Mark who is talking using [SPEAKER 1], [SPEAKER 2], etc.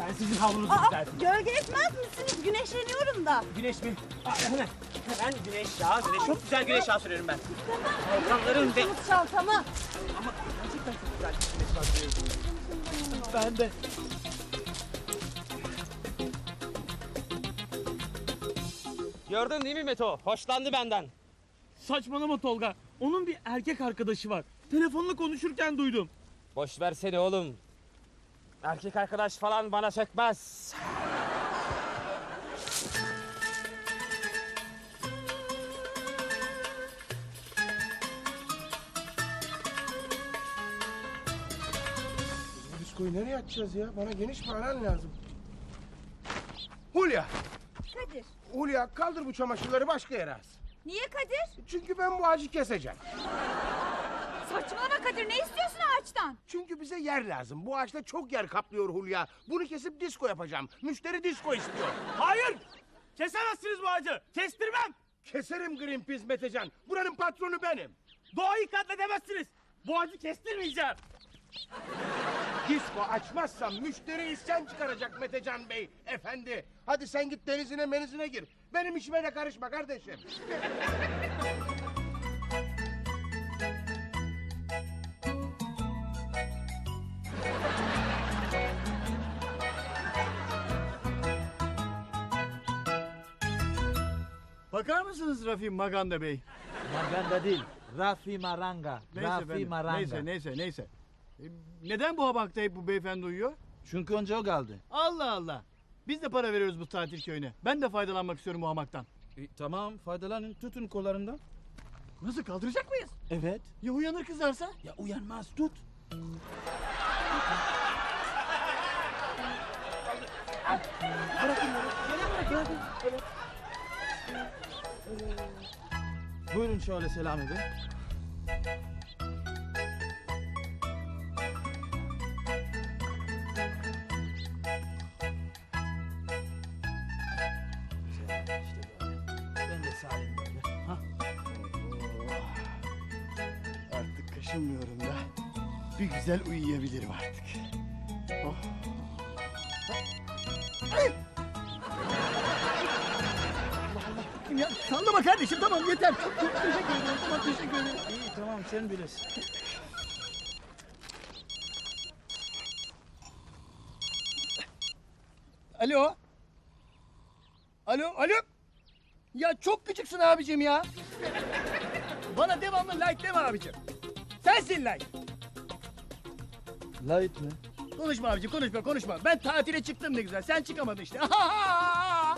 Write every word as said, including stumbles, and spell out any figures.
[SPEAKER 1] Ben sizin havlunuzu
[SPEAKER 2] Aa,
[SPEAKER 1] düzelteyim.
[SPEAKER 2] gölge etmez misiniz? Güneşleniyorum da.
[SPEAKER 1] Güneş mi? Aa, hemen. Hemen güneş yağı. Güneş. Çok güzel güneş yağı sürüyorum ben. Programların ve...
[SPEAKER 2] Unut çantamı.
[SPEAKER 1] Ama gerçekten çok güzel güneş yağı sürüyorum. Ben de. Gördün değil mi Meto? Hoşlandı benden.
[SPEAKER 3] Saçmalama Tolga. Onun bir erkek arkadaşı var. Telefonla konuşurken duydum.
[SPEAKER 1] Boş versene oğlum. Erkek arkadaş falan bana sökmez.
[SPEAKER 4] Bu diskoyu nereye açacağız ya? Bana geniş bir alan lazım. Hulya!
[SPEAKER 2] Kadir.
[SPEAKER 4] Hulya kaldır bu çamaşırları başka yere as.
[SPEAKER 2] Niye Kadir?
[SPEAKER 4] Çünkü ben bu ağacı keseceğim.
[SPEAKER 2] Saçmalama Kadir. Ne istiyorsun ağaçtan?
[SPEAKER 4] Çünkü bize yer lazım. Bu ağaçta çok yer kaplıyor Hulya. Bunu kesip disko yapacağım. Müşteri disko istiyor.
[SPEAKER 3] Hayır! Kesemezsiniz bu ağacı. Kestirmem.
[SPEAKER 4] Keserim Greenpeace Metecan. Buranın patronu benim.
[SPEAKER 3] Doğayı katledemezsiniz. Bu ağacı kestirmeyeceğim.
[SPEAKER 4] Disko açmazsam müşteri isyan çıkaracak Metecan Bey. Efendi. Hadi sen git denizine menizine gir. Benim işime de karışma kardeşim.
[SPEAKER 5] Bakar mısınız Rafi Maganda Bey?
[SPEAKER 6] Maganda değil, Rafi Maranga.
[SPEAKER 5] Neyse
[SPEAKER 6] Rafi
[SPEAKER 5] efendim,
[SPEAKER 6] Maranga.
[SPEAKER 5] Neyse neyse neyse. E, neden bu hamakta hep bu beyefendi uyuyor?
[SPEAKER 6] Çünkü önce o geldi.
[SPEAKER 5] Allah Allah. Biz de para veriyoruz bu tatil köyüne. Ben de faydalanmak istiyorum bu hamaktan.
[SPEAKER 6] E, tamam, faydalanın, tutun kollarından.
[SPEAKER 5] Nasıl, kaldıracak mıyız?
[SPEAKER 6] Evet.
[SPEAKER 5] Ya uyanır kızarsa?
[SPEAKER 6] Ya uyanmaz, tut. Buyurun şöyle Selami Bey. Ben de salim böyle. Ha?
[SPEAKER 5] Artık kaşınmıyorum da. Bir güzel uyuyabilirim artık. Oh. Ay! Ya sallama kardeşim, tamam yeter. Çok, çok teşekkür ederim. Tamam, teşekkür ederim.
[SPEAKER 6] İyi tamam sen bilirsin.
[SPEAKER 5] Alo. Alo, alo. Ya çok küçüksün abicim ya. Bana devamlı like deme abicim. Sensin like.
[SPEAKER 6] Light mi?
[SPEAKER 5] Konuşma abicim, konuşma konuşma. Ben tatile çıktım ne güzel. Sen çıkamadın işte.